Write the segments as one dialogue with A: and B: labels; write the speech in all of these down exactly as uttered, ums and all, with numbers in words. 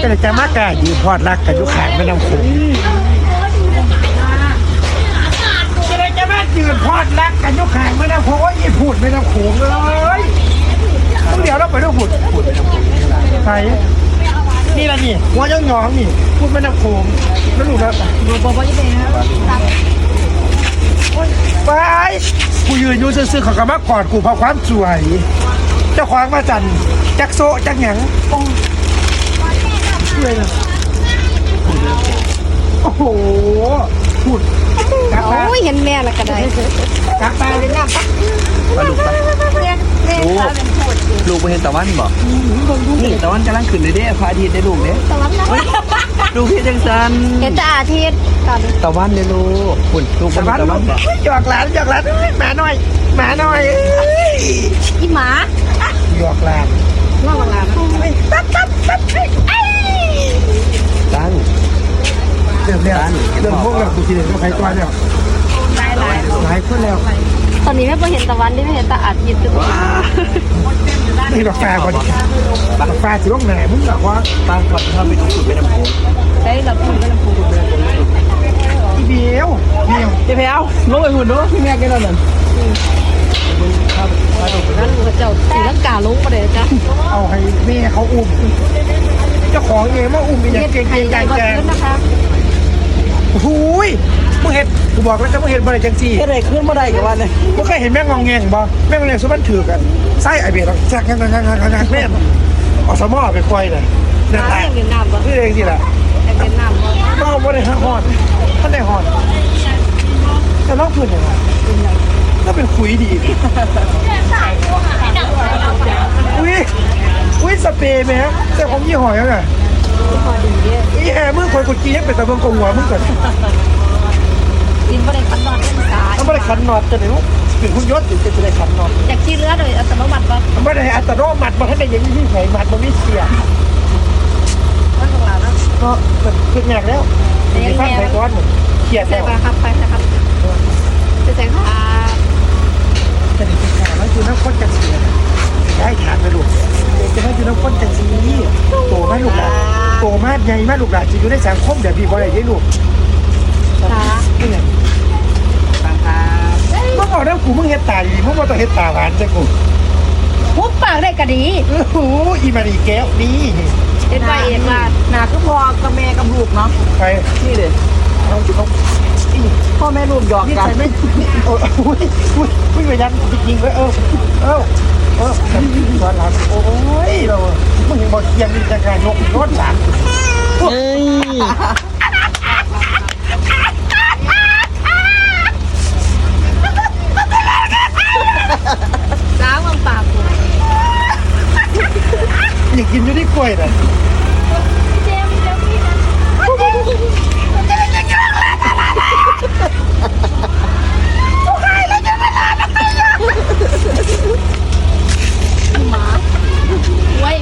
A: ก็เลยจะมากกะยืนพอดรักกันยุขางไม่นำโขงก็เลยจะมายืนพอดรักกันยุขางไม่นำโขงว่ายี่พูดไม่นำโขงเลยต้องเดี๋ยวเราไปดูพูดพูดไม่นำโขงใครนี่ละนี่หัวย่องยองนี่พูดไม่นำโขงแล้วหนูนะบอกว่ายังไงฮะไปกูยืนอยู่ซื่อๆเขาก็มากอดกูเพราะความสวยเจ้าของมาจันจักโซจักหยังเลยนะโอ้โหพูดกลับมา
B: โอ้ยเห็นแม่ละก็ได้
A: กลับมาเลยนะ
C: มาลูกไป
B: แม่แม่พาเป็นพูด
C: ลูกไปเห็นตะวันบอกนี่ตะวันกำลังขึ้นเลยเด้พระอาทิตย์ได้ลูกเด้
B: ตะวันนะ
C: ลูกเพียจังสัน
B: เห็นแต่อาทิตย์ตอน
C: ตะวันเลยลูกคุณลูกไป
A: ตะ
C: เห็
A: วัน
C: นตะวันบอก
A: หยอกหลานหยอกหลานหมาหน่อยหมาหน่อย
B: อีหมา
A: หยอกหลาน
B: ล่อหลาน
A: ตัดตัดตัด
C: ตั้ง
A: เริ่มแล้วเริ่มพวกเรากูทีเดียวใครตัวแล้ว
B: หลายหลาย
A: หลายคนแล้ว
B: ตอนนี้แม่พอเห็นตะวันได้ไม่เห็นแต่อาทิตย์คือตัว
A: นี่ดอกฟ้าก่อนดอกฟ้าสิลงไหนมึงบอกว่า
C: ตั้งก่อนเข้าไปดูสุดไปน้ำพุ
B: ได้เราพูดก็เราพูด
A: อีเบี้ยวเบี้ยว
C: เจ๊แพลวลงไปหุ่นดูพี่แม่กันแล้วนั่น
B: นั่นพระเจ้าสีลังกาลงมาเลยจ้ะ
A: เอาให้แม่เขาอุ้มเจ้าของเองมาอุ้มอีกอย่างเก่ง
B: ไข่
A: ๆ
B: ใหญ่
A: ใจ
B: กว่า
A: แก
B: ขึ้นนะคะ
A: หูยมึงเห็นกูบอกแล้วจะมึงเห็นบ่ได้จังซี่
C: เจ๊ได้ขึ้นมาได้กับวันเลย
A: มึงเคยเห็นแม่งงองแงงบ่แม่งงองแงงสุบันถือกันไส้ไอเบียร์แจ๊กงังงังงังงังงังแม่อสมอไปควายน่ะนั่นแหละ
B: ยังเรียนน้ำบ่
A: นี่เองสิล่ะ
B: ยังเรียนน้ำบ่
A: น้องบ่ได้ฮะฮอดท่านได้ฮอดแต่น้องพื้นยังไงก็เป็นคุยดีอุ้ยอุ้ยสเปรย์แม่แต่ผมยี่ห้อยังไง
B: พอดีเด้
A: อีแห่มึงคอยกดจียังเป็นตะเบิงกงหัวมึงก่อน
B: กินบ่ได้คันนอนเล่นสาย
A: มันไม่ได้ขันนอดจะได้รู้ถึงคุณยศถึงจะได้ขันนอด
B: อยากขี้เลือดเลยอัตโนมัติบ่
A: มันไม่ได้อัตโนมัติมันให้ได้ยังที่ไหนมัดมันไม่เสีย
B: มันของเราเนาะ
A: ก็มันขึ้นยากแล้วมีฟังไทยก้อนเขียด
B: ใส่
A: แล้ว
B: ไปครับไปนะครับจะใส่ค่ะ
A: จะได้เป็นขาแล้วคือน้ำข้นจังสีได้ถามไปลูกจะไม่คือน้ำข้นจังสีโตมากลูกหลานโตมากใหญ่มากลูกหลานจะอยู่ในสังคมแบบพี่บอลอะไรได้ลูก
B: ค่ะ
A: นี่ไง
C: ตั้งครับ
A: มึงเอาน้ำกูมึงเฮ็ดตาดีมึงมาต้องเฮ็ดตาหวานจังกู
B: หุบปากได้ก็ดี
A: โอ้โหอีมาดีแก้วนี่
B: เอ็ดไปเอ็ดมา
C: หนาคือพ่อกับแม่กับลูกเนาะ
A: ไป
C: นี่เด็
A: เอาจุดต้อง
C: พ่อแม่ลูกหยอก
A: นี่
C: กัน
A: ใส่ไม่โอ้ยอุ้ยอุ้ยอุ้ยไปยันจริงๆเลยเออเออเออตอนหลังโอ้ยเรามึงเห็นบอลเทียนนี่จะการยกรถสาม
C: เฮ้ย
B: ล้างวางปาก
A: อยากกินอยู่ที่กล้วยน่ะ
B: เจมเจมพี่นะหมาไว้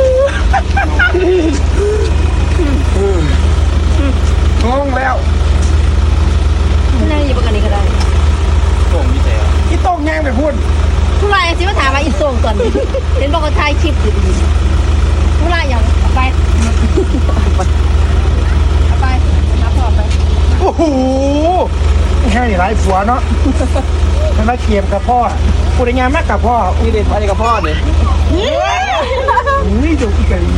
A: งงแล้ว
B: นั่งอยู่ปกติก็ได้
C: ผมมีแต่
A: อีโต้งแย่งไปพูด
B: ผู้ไรสิมาถามว่าอีส่งก่อนเห็นบอกว่าถ่ายคลิปอยู่ดีผู้ไรอย่างไปเอาไปนับพอไป
A: โอ้โหแค่นี้ไรผัวเนาะมันมาเคียมกับพ่อพูดได้งานมากกับพ่อ
C: นี่เด็กอะไรกับพ่อเนี่ย
A: อุ้ยดูอีกะลี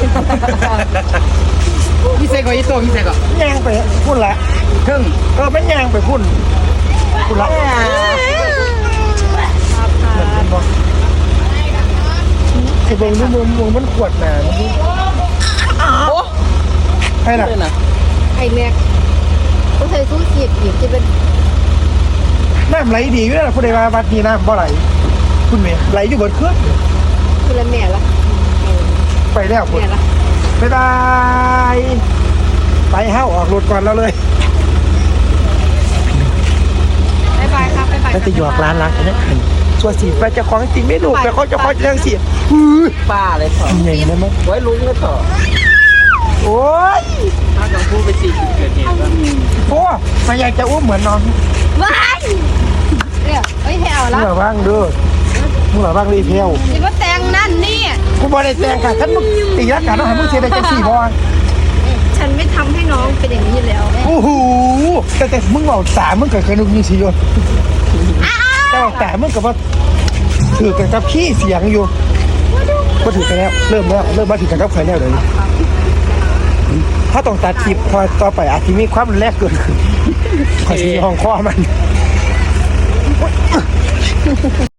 C: พี่เซก่อนอีโต้พี่เซก่อน
A: แย่งไปพูดละ
C: ครึ่ง
A: เออมันแย่งไปพูดพูดละ
B: ครับค่ะ
A: เป็นบ่ไอ้เบิ้งนี่มุมมุมมันขวดหนานี่
C: โอ้
A: ใช่ล่ะ
C: เป็นอ่ะ
B: ไอ้แม็กก็ใส่สู้จีบจีบจะเป็น
A: น้ำไหลดีอยู่แล้วพูดได้ว่าวัดนี้น้ำบ่ไหลคุณเมย์ไหลอยู่บนเครื่อง
B: คือละแม่ละ
A: ไปแล้วคุณ
B: แม่ละ
A: บ๊ายบายไปเฮ้าออกรถก่อนแล้วเลย
B: บายบายครับบายบาย
A: แล้วจะหยอกร้านรักเนี่ยส่วนสีไปจะของจริงไม่ดูไปเขาจะคอยเรื่องสีฮือ
C: ป้าเลยเถอะ
A: ใหญ่นะมั้ง
C: ไว้ลุงเลยเถอะ
A: โอ้ย
C: ถ้าต้องพูดไปสี่จุดเกิดเหตุว่า
A: โอ้มาอยากจะอุ้มเหมือนน้อง
B: ว้ายเนี่ยเอ้ยให้เอาละ
A: เมื่อว่างดู
B: เ
A: มึงหล่อบ้างเลยเพียว
B: สิว่าแต่งนั่นนี่
A: กูบอกได้แต่งกันฉันมึงตีรักกันต้องหามึงเสียได้จังสี่บอล
B: ฉันไม่ทำให้น้องเป็นอย่างนี้แล้ว
A: โอ้โหแต่แต่มึงบอกสามมึงกับเคยนึกยิงสิโยแต่บอกแต่มึงกับว่าถือกันกับขี้เสียงอยู่ก็ถือกันแล้วเริ่มแล้วเริ่มมาถือกันกับใครแล้วเลยวนี้ถ้าต้องตัดคลิปพอต่อไปอาจจะมีความรุนแรงเกินขึ้นขอชี้ห้องข้อมัน